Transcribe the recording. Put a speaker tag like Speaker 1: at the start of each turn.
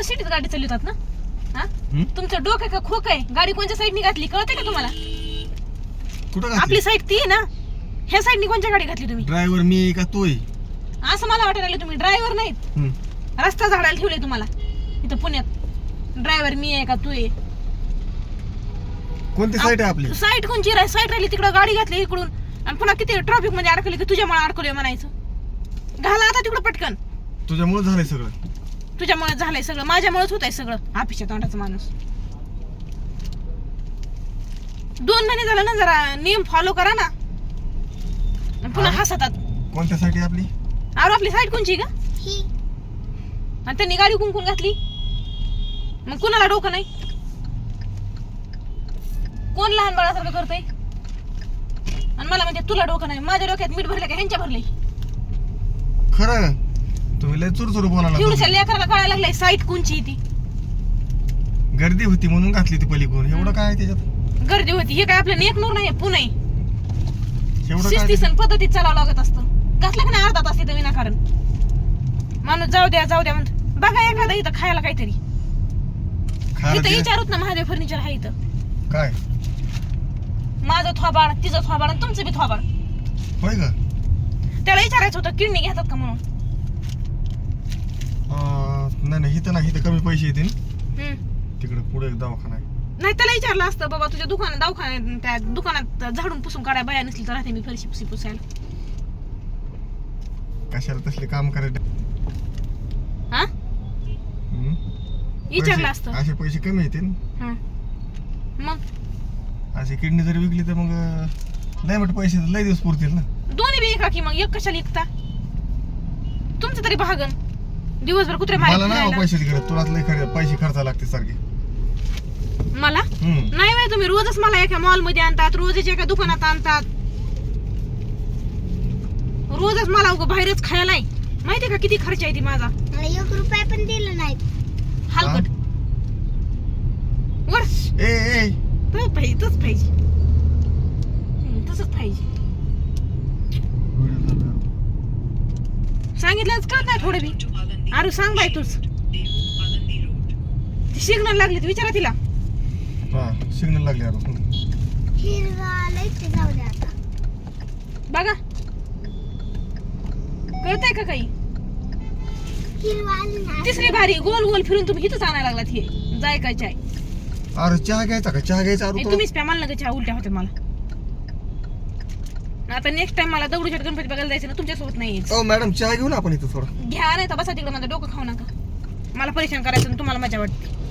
Speaker 1: सिटीत गाडी चालवतात ना? हा तुमचं डोकं का खोक आहे? गाडी कोणत्या साईडनी घातली कळते का तुम्हाला?
Speaker 2: कुठं
Speaker 1: आपली साईड ती आहे ना, ह्या साईडनी कोणत्या गाडी घातली तुम्ही?
Speaker 2: ड्रायव्हर मी का तू आहे?
Speaker 1: असं मला वाटायला लागलं तुम्ही ड्रायव्हर नाहीत, रस्ता झाडायला ठेवले तुम्हाला इथं पुण्यात. ड्रायव्हर मी आहे का तू आहे?
Speaker 2: कोणती साईड आहे आपली?
Speaker 1: साईड कोणची साईड राहिली तिकडं गाडी घातली इकडून आणि पुन्हा किती ट्रॅफिक मध्ये अडकली की तुझ्यामुळे अडकलोय म्हणायचं. घाला आता तिकडं पटकन.
Speaker 2: तुझ्यामुळे झालंय सगळं.
Speaker 1: तुझ्यामुळे झालंय सगळं, माझ्यामुळेच होत आहे सगळं. ऑफिसच्या तोंडाचा माणूस. 2 महिने झालं ना, जरा नियम फॉलो करा ना. पुन्हा हसतात.
Speaker 2: कोणत्या साईड आहे आपली?
Speaker 1: अरे आपली साईड कोणची का? आणि त्यांनी गाडी कुंकून घातली, मग कुणाला डोकं नाही? कोण लहान बाळासारखं करतय आणि मला म्हणजे तुला डोकं नाही? माझ्या डोक्यात मीठ भरले का ह्यांच्या भरले?
Speaker 2: खरं तुम्ही लय चुरचुर बोलायला.
Speaker 1: एवढ्या लेकराला कळायला लागलंय साईट कोणची ती.
Speaker 2: गर्दी होती म्हणून घातली ती पलीकडून. एवढं काय आहे त्याच्यात?
Speaker 1: गर्दी होती हे काय आपल्या नेकनूर नाही, पुणे.
Speaker 2: एवढं
Speaker 1: शिस्तीसन पद्धतीत चालावं लागत असतं. घातलं का नाही अर्धा तास इथं विनाकारण? माणूस जाऊ द्या म्हणत. बघा एखादा इथं खायला काहीतरी. इथं विचारूत ना, महादेव फर्निचर आहे इथं.
Speaker 2: काय
Speaker 1: माझं थोबाड, तिचं थोबाड आणि तुमचं बी थोबाड.
Speaker 2: होय का?
Speaker 1: त्याला विचारायचं होतं किडनी घेतात का म्हणून.
Speaker 2: नाही इथं नाही, इथं कमी पैसे येतील. तिकडे पुढे एक दवाखाना आहे.
Speaker 1: नाही त्याला विचारलं असतं, बाबा तुझ्या दवाखान्यात त्या दुकानात झाडून पुसून काढाय बाया नसली तर राहते मी फरशी पुसी पुसायला.
Speaker 2: कशाला तसले काम करायचे?
Speaker 1: हा विचारलं असतं.
Speaker 2: असे पैसे कमी येतील.
Speaker 1: मग
Speaker 2: अशी किडनी जर विकली तर मग लय मोठे पैसे लय दिवस पुरतील ना.
Speaker 1: दोन्ही बी एका की मग एक कशाला विकता? तुमचं तरी भागन. दिवसभर कुत्रे
Speaker 2: मला नाही
Speaker 1: मारायला
Speaker 2: पैसे खरं, तुलाच लय पैसे खर्चा लागते सारखे.
Speaker 1: मला नाही बाई, तुम्ही रोजच मला एका मॉल मध्ये आणतात, रोजच एका दुकानात आणतात, रोजच मला उगा बाहेरच खायला आहे. माहितीये का किती खर्च आहे ती माझा?
Speaker 3: मला 1 रुपया पण दिला नाही.
Speaker 1: हलकट वर
Speaker 2: ए
Speaker 1: तसंच पाहिजे. तसंच पाहिजे. सांगितलंच कळत नाही थोडं बी. अरे सांग बाई तूच. ती सिग्नल लागली तर विचारा तिला.
Speaker 2: सिग्नल लागले
Speaker 3: हिरवा लयच जाऊ दे आता.
Speaker 1: बघा कळतंय का काही?
Speaker 3: हिरवा आली ना.
Speaker 1: तिसरी भारी गोल गोल फिरून तुम्ही इथंच आणायला लागलात. हे जाय काय चाय?
Speaker 2: अरे चहा घ्यायचा का? चहा घ्यायचा.
Speaker 1: तुम्हीच प्या, मला नका चहा, उलट्या होत्या मला. आता नेक्स्ट टाइम मला दगडूशेठ गणपती बघायला जायचं ना, तुमच्यासोबत नाही यायचं.
Speaker 2: मॅडम चहा घेऊ ना आपण इथं थोडं.
Speaker 1: घ्या नाही तर बसा तिकडे, माझं डोकं खाऊ नका. मला परेशान करायचं तुम्हाला मजा वाटते.